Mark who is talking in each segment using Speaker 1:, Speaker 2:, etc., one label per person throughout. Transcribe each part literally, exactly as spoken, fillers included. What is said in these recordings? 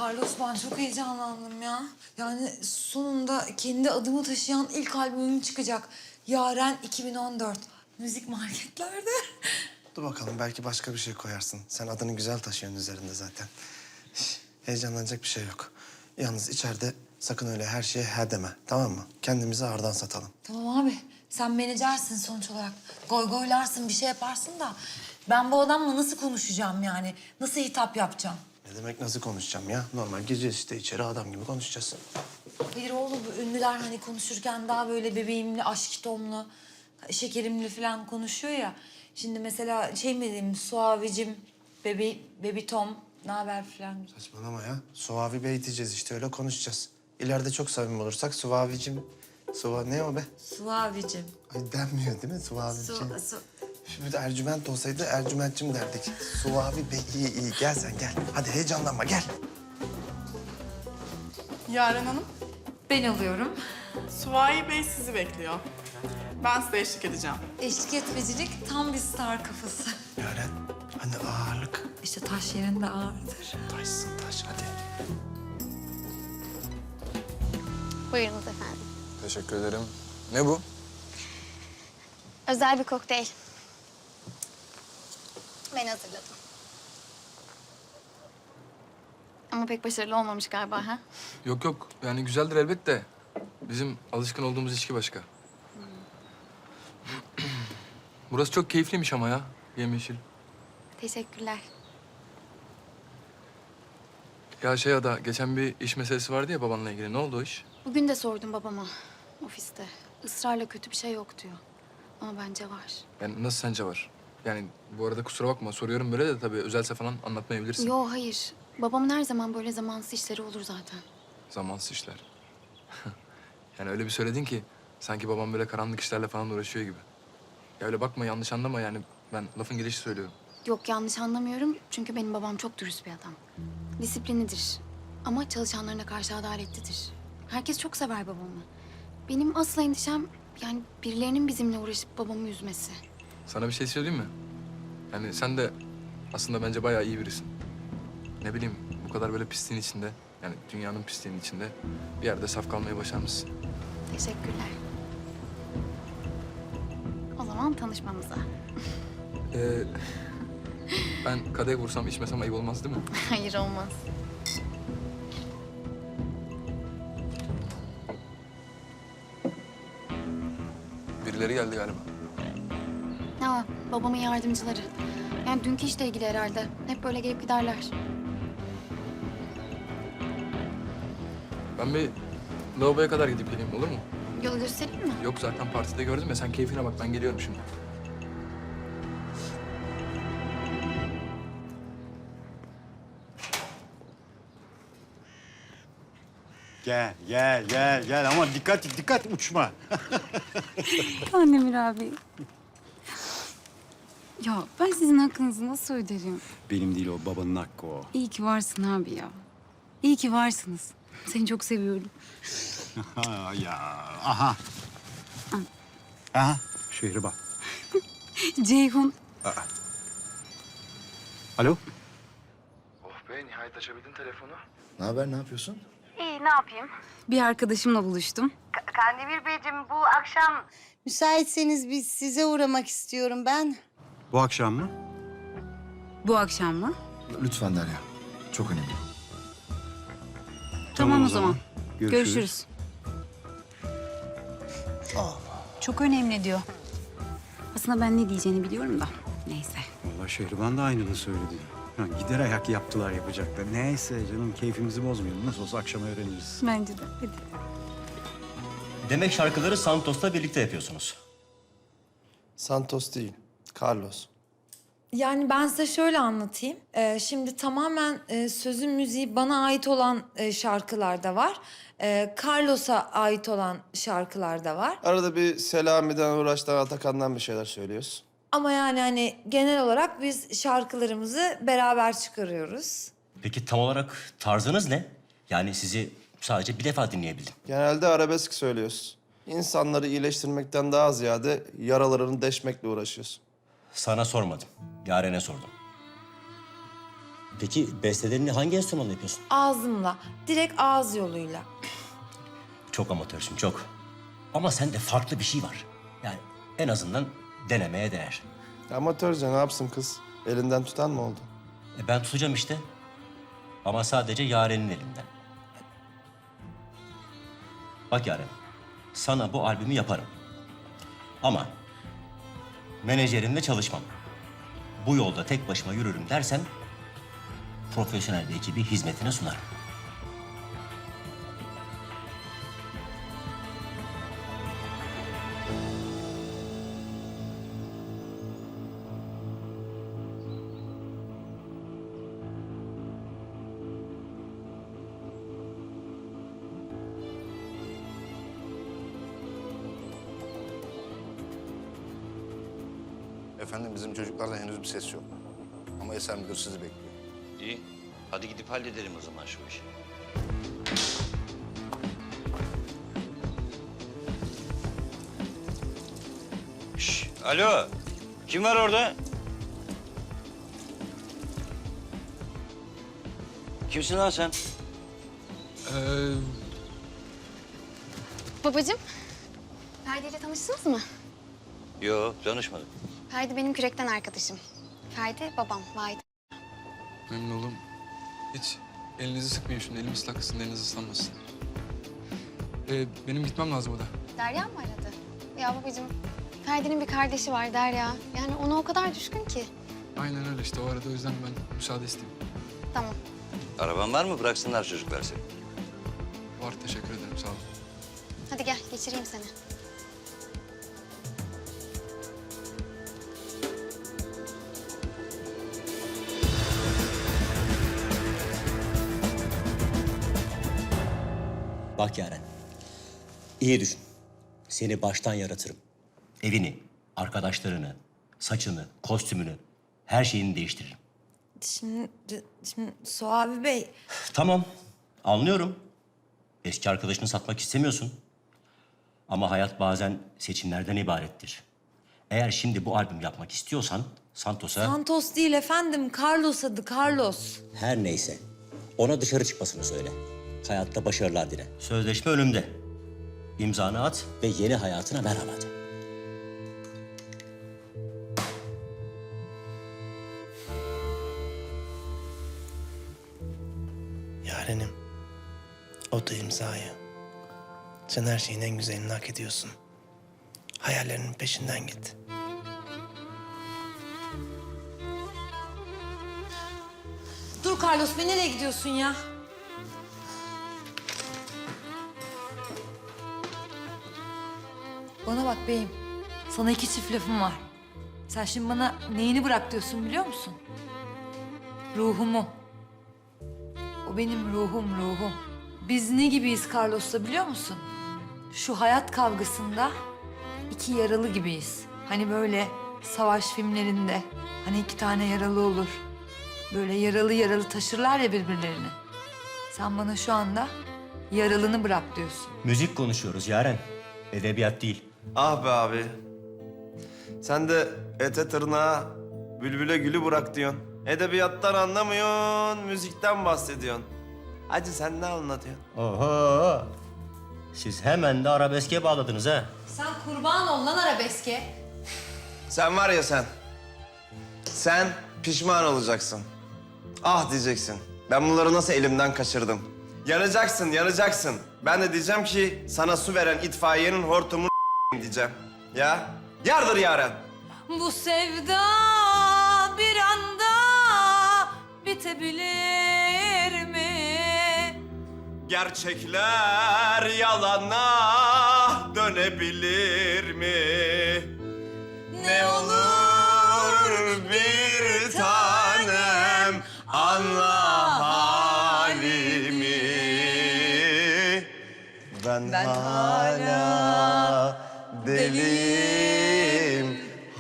Speaker 1: Carlos, ben çok heyecanlandım ya. Yani sonunda kendi adımı taşıyan ilk albümüm çıkacak. Yaren iki bin on dört. Müzik marketlerde.
Speaker 2: Dur bakalım, belki başka bir şey koyarsın. Sen adını güzel taşıyorsun üzerinde zaten. Şş, heyecanlanacak bir şey yok. Yalnız içeride sakın öyle her şeye he deme, tamam mı? Kendimizi ağırdan satalım.
Speaker 1: Tamam abi, sen menajersin sonuç olarak. Goy goylarsın, bir şey yaparsın da... ben bu adamla nasıl konuşacağım yani? Nasıl hitap yapacağım?
Speaker 2: Ne demek nasıl konuşacağım ya? Normal gireceğiz işte içeri, adam gibi konuşacağız.
Speaker 1: Hayır oğlum, bu ünlüler hani konuşurken daha böyle bebeğimli, aşkitomlu, şekerimli falan konuşuyor ya. Şimdi mesela şey mi diyeyim, Suavicim, bebi, bebi Tom, ne haber falan.
Speaker 2: Saçmalama ya. Suavi Bey diyeceğiz işte, öyle konuşacağız. İleride çok samimi olursak Suavicim... Suva ne o be?
Speaker 1: Suavicim.
Speaker 2: Ay denmiyor değil mi Suavicim?
Speaker 1: Su, su.
Speaker 2: Şimdi Ercüment olsaydı Ercümentçim derdik. Suavi Bey iyi iyi. Gel sen gel. Hadi heyecanlanma gel.
Speaker 3: Yaren Hanım,
Speaker 1: Ben alıyorum.
Speaker 3: Suvayi Bey sizi bekliyor. Ben size eşlik edeceğim.
Speaker 1: Eşlik etmecilik tam bir star kafası.
Speaker 2: Yaren, hani ağırlık.
Speaker 1: İşte taş yerinde ağırdır.
Speaker 2: Taşsın taş, hadi.
Speaker 4: Buyurunuz efendim.
Speaker 5: Teşekkür ederim. Ne bu?
Speaker 4: Özel bir kokteyl. Ben hazırladım. Ama pek başarılı olmamış galiba ha?
Speaker 5: Yok yok. Yani güzeldir elbette. Bizim alışkın olduğumuz içki başka. Burası çok keyifliymiş ama ya. Yemyeşil.
Speaker 4: Teşekkürler.
Speaker 5: Ya şey Ada, geçen bir iş meselesi vardı ya babanla ilgili. Ne oldu o iş?
Speaker 4: Bugün de sordum babama ofiste. Israrla kötü bir şey yok diyor. Ama bence var.
Speaker 5: Yani nasıl sence var? Yani bu arada kusura bakma soruyorum böyle de tabii özelse falan anlatmayabilirsin.
Speaker 4: Yo hayır. Babamın her zaman böyle zamansız işleri olur zaten.
Speaker 5: Zamansız işler. Yani öyle bir söyledin ki sanki babam böyle karanlık işlerle falan uğraşıyor gibi. Ya öyle bakma, yanlış anlama yani, ben lafın gelişi söylüyorum.
Speaker 4: Yok yanlış anlamıyorum çünkü benim babam çok dürüst bir adam. Disiplinidir ama çalışanlarına karşı adaletlidir. Herkes çok sever babamı. Benim asıl endişem yani birilerinin bizimle uğraşıp babamı üzmesi.
Speaker 5: Sana bir şey söyleyeyim mi? Yani sen de aslında bence bayağı iyi birisin. Ne bileyim, bu kadar böyle pisliğin içinde, yani dünyanın pisliğinin içinde bir yerde saf kalmayı başarmışsın.
Speaker 4: Teşekkürler. O zaman tanışmamıza.
Speaker 5: Ee, ben kadeh vursam içmesem ayıp olmaz değil mi?
Speaker 4: Hayır olmaz.
Speaker 5: Birileri geldi galiba.
Speaker 4: Ha, babamın yardımcıları. Yani dünkü işle ilgili herhalde. Hep böyle gelip giderler.
Speaker 5: Ben bir lavaboya kadar gidip geleyim, olur mu?
Speaker 4: Yolu göstereyim mi?
Speaker 5: Yok zaten partide gördüm ya, sen keyfine bak, ben geliyorum şimdi.
Speaker 6: Gel, gel, gel, gel ama dikkat, dikkat uçma.
Speaker 7: Annemir abi. Ya ben sizin hakkınızı nasıl öderim?
Speaker 6: Benim değil o, babanın hakkı o.
Speaker 7: İyi ki varsın abi ya. İyi ki varsınız. Seni çok seviyorum.
Speaker 6: Ha, ya, aha. Aha, şehre bak.
Speaker 7: Ceyhun.
Speaker 6: Alo?
Speaker 5: Oh be, nihayet açabildin telefonu.
Speaker 2: Ne haber, ne yapıyorsun?
Speaker 8: İyi, ne yapayım?
Speaker 7: Bir arkadaşımla buluştum.
Speaker 8: K- Kandemir Beyciğim, bu akşam...
Speaker 9: Müsaitseniz biz size uğramak istiyorum ben.
Speaker 6: Bu akşam mı?
Speaker 7: Bu akşam mı?
Speaker 2: Lütfen Derya. Çok önemli.
Speaker 7: Tamam, o zaman.
Speaker 6: Görüşürüz.
Speaker 7: Görüşürüz. Çok önemli diyor. Aslında ben ne diyeceğini biliyorum da. Neyse.
Speaker 6: Vallahi Şehriban da aynını söyledi. Ha, gider ayak yaptılar yapacaklar. Neyse canım, keyfimizi bozmayalım. Nasıl olsa akşam öğreniriz.
Speaker 7: Bence de. Hadi.
Speaker 10: Demek şarkıları Santos'la birlikte yapıyorsunuz.
Speaker 2: Santos değil, Carlos.
Speaker 1: Yani ben size şöyle anlatayım. Ee, şimdi tamamen e, sözün müziği bana ait olan e, şarkılar da var. E, Carlos'a ait olan şarkılar da var.
Speaker 2: Arada bir Selami'den, Uğraş'tan, Atakan'dan bir şeyler söylüyoruz.
Speaker 1: Ama yani hani genel olarak biz şarkılarımızı beraber çıkarıyoruz.
Speaker 10: Peki tam olarak tarzınız ne? Yani sizi sadece bir defa dinleyebildim.
Speaker 2: Genelde arabesk söylüyoruz. İnsanları iyileştirmekten daha ziyade yaralarını deşmekle uğraşıyoruz.
Speaker 10: Sana sormadım. Yaren'e sordum. Peki bestelerini hangi enstrümanla yapıyorsun?
Speaker 1: Ağzımla, direkt ağız yoluyla.
Speaker 10: Çok amatörsün, çok. Ama sende farklı bir şey var. Yani en azından denemeye değer.
Speaker 2: Amatörce ne yapsın kız? Elinden tutan mı oldu?
Speaker 10: E ben tutacağım işte. Ama sadece Yaren'in elinden. Bak Yaren, sana bu albümü yaparım. Ama menajerinle çalışmam. Bu yolda tek başıma yürürüm dersen profesyonel bir ekibi hizmetine sunarım.
Speaker 11: Efendim bizim çocuklardan henüz bir ses yok. Ama Eser Müdür sizi bekliyor.
Speaker 12: İyi. Hadi gidip halledelim o zaman şu işi. Şş, alo. Kim var orada? Kimsin lan sen?
Speaker 5: Ee,
Speaker 4: Babacığım, Ferdi ile tanıştınız mı?
Speaker 12: Yo, tanışmadım.
Speaker 4: Ferdi benim kürekten arkadaşım. Ferdi babam, Vahit.
Speaker 5: memnun oldum. Hiç elinizi sıkmayın şimdi. Elim ıslak kısın, eliniz ıslanmasın. Ee, benim gitmem lazım o da.
Speaker 4: Derya mı aradı? Ya babacığım, Ferdi'nin bir kardeşi var Derya. Yani ona o kadar düşkün ki.
Speaker 5: Aynen öyle işte. O arada o yüzden ben müsaade isteyeyim.
Speaker 4: Tamam.
Speaker 12: Araban var mı? Bıraksınlar çocuklar seni.
Speaker 5: Var, teşekkür ederim. Sağ olun.
Speaker 4: Hadi gel, geçireyim seni.
Speaker 10: Bak Yaren, iyi düşün. Seni baştan yaratırım. Evini, arkadaşlarını, saçını, kostümünü, her şeyini değiştiririm.
Speaker 1: Şimdi, şimdi Suavi Bey,
Speaker 10: Tamam, anlıyorum. Eski arkadaşını satmak istemiyorsun. Ama hayat bazen seçimlerden ibarettir. Eğer şimdi bu albüm yapmak istiyorsan Santos'a...
Speaker 1: Santos değil efendim, Carlos adı, Carlos.
Speaker 10: Her neyse, ona dışarı çıkmasını söyle. Hayatta başarılar dile. Sözleşme önümde. İmzanı at ve yeni hayatına merhaba de.
Speaker 2: Yarenim, o da imzayı. Sen her şeyin en güzelini hak ediyorsun. Hayallerinin peşinden git.
Speaker 1: Dur Carlos Bey, nereye gidiyorsun ya? Bana bak beyim, sana iki çift lafım var. Sen şimdi bana neyini bırak diyorsun biliyor musun? Ruhumu. O benim ruhum, ruhum. Biz ne gibiyiz Carlos'la biliyor musun? Şu hayat kavgasında iki yaralı gibiyiz. Hani böyle savaş filmlerinde hani iki tane yaralı olur. Böyle yaralı yaralı taşırlar ya birbirlerini. Sen bana şu anda yaralını bırak diyorsun.
Speaker 10: Müzik konuşuyoruz Yaren. Edebiyat değil.
Speaker 2: Ah be abi. Sen de ete tırnağa, bülbüle gülü bırak diyorsun. Edebiyattan anlamıyorsun, müzikten bahsediyorsun. Hacı sen ne anlatıyorsun?
Speaker 10: Oho! Siz hemen de arabeske bağladınız ha.
Speaker 1: Sen kurban ol lan arabeske.
Speaker 2: Sen var ya sen. Sen pişman olacaksın. Ah diyeceksin. Ben bunları nasıl elimden kaçırdım? Yanacaksın, yanacaksın. Ben de diyeceğim ki sana su veren itfaiyenin hortumunu diyeceğim. Ya? Yardır Yaren.
Speaker 1: Bu sevda bir anda bitebilir mi?
Speaker 2: Gerçekler yalana dönebilir mi? Ne olur bir tanem anla halimi. Ben,
Speaker 1: Ben
Speaker 2: hala deliyim,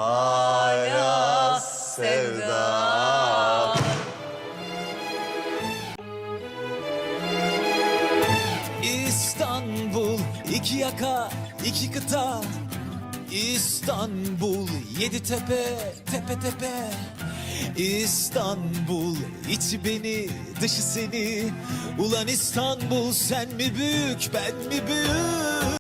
Speaker 2: hala sevda.
Speaker 13: İstanbul iki yaka iki kıta, İstanbul yedi tepe tepe tepe, İstanbul, içi beni, dışı seni. Ulan İstanbul, sen mi büyük, ben mi büyük?